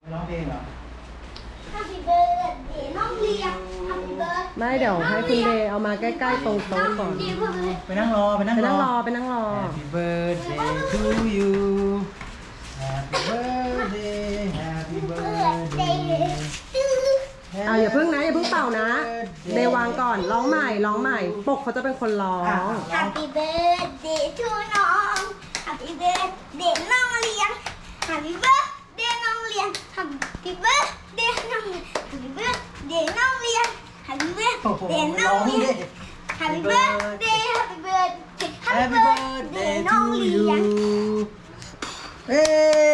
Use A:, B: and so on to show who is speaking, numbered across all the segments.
A: ร้องเพลงเหรอ
B: Happy birthday น้องเลียง Happy birthday
C: ไม่เดี๋ยวให้คุณเดย์เอามาใกล้ๆตรงโต๊ะก่อน
A: ไปนั่งรอ
C: ไปนั่งรอ
A: Happy birthday to you Happy birthday Happy birthday
C: เอาอย่าเพิ่งนะอย่าเพิ่งเป่านะ เดย์วางก่อนร้องใหม่ปกเขาจะเป็นคนร้อง
B: Happy birthday to น้อง Happy birthday น้องเลียง Happy birthday น้องเลียง Happy birthday น้องเลียง Happy birthday น้องเลียง Happy
A: โอ้โห
B: birthday น้
A: ร้
B: อ
A: อง ง
B: เลี
A: ดิ
B: ยง Happy birthday Happy birthday
A: Happy birthday
B: น้อง
A: to
B: เลี
A: you
B: ยง
A: เฮ้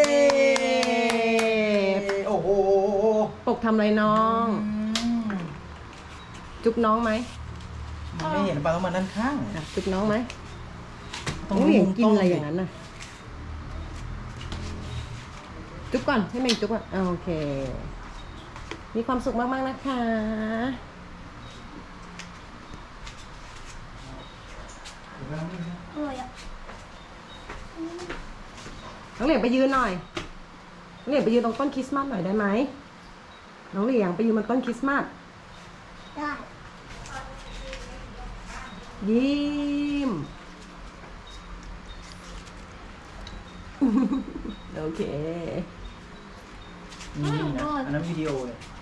A: โอ้โห
C: ปกทำอะไรน้อง จุ๊บน้องไหม
A: มันไม่เห็นปลาต้องมาด้านข้าง
C: อ่ะจุ๊บน้องไหมน้องเหลียงกินอะไรอย่างนั้นน่ะ จุ๊บก่อนให้เมงจุ๊บก่อนโอเค มีความสุขมากๆนะคะ
B: อร่อยอ่ะ
C: น้องเหลียงไปยืนหน่อย น้องเหลียงไปยืนตรงต้นคริสต์มาสหน่อยได้ไหม น้องเหลียงไปยืนบนต้นคริสต์มาส
B: ได้
C: ยิ้ม โอเค
A: นี่นะอันนั้นวิดีโอเลย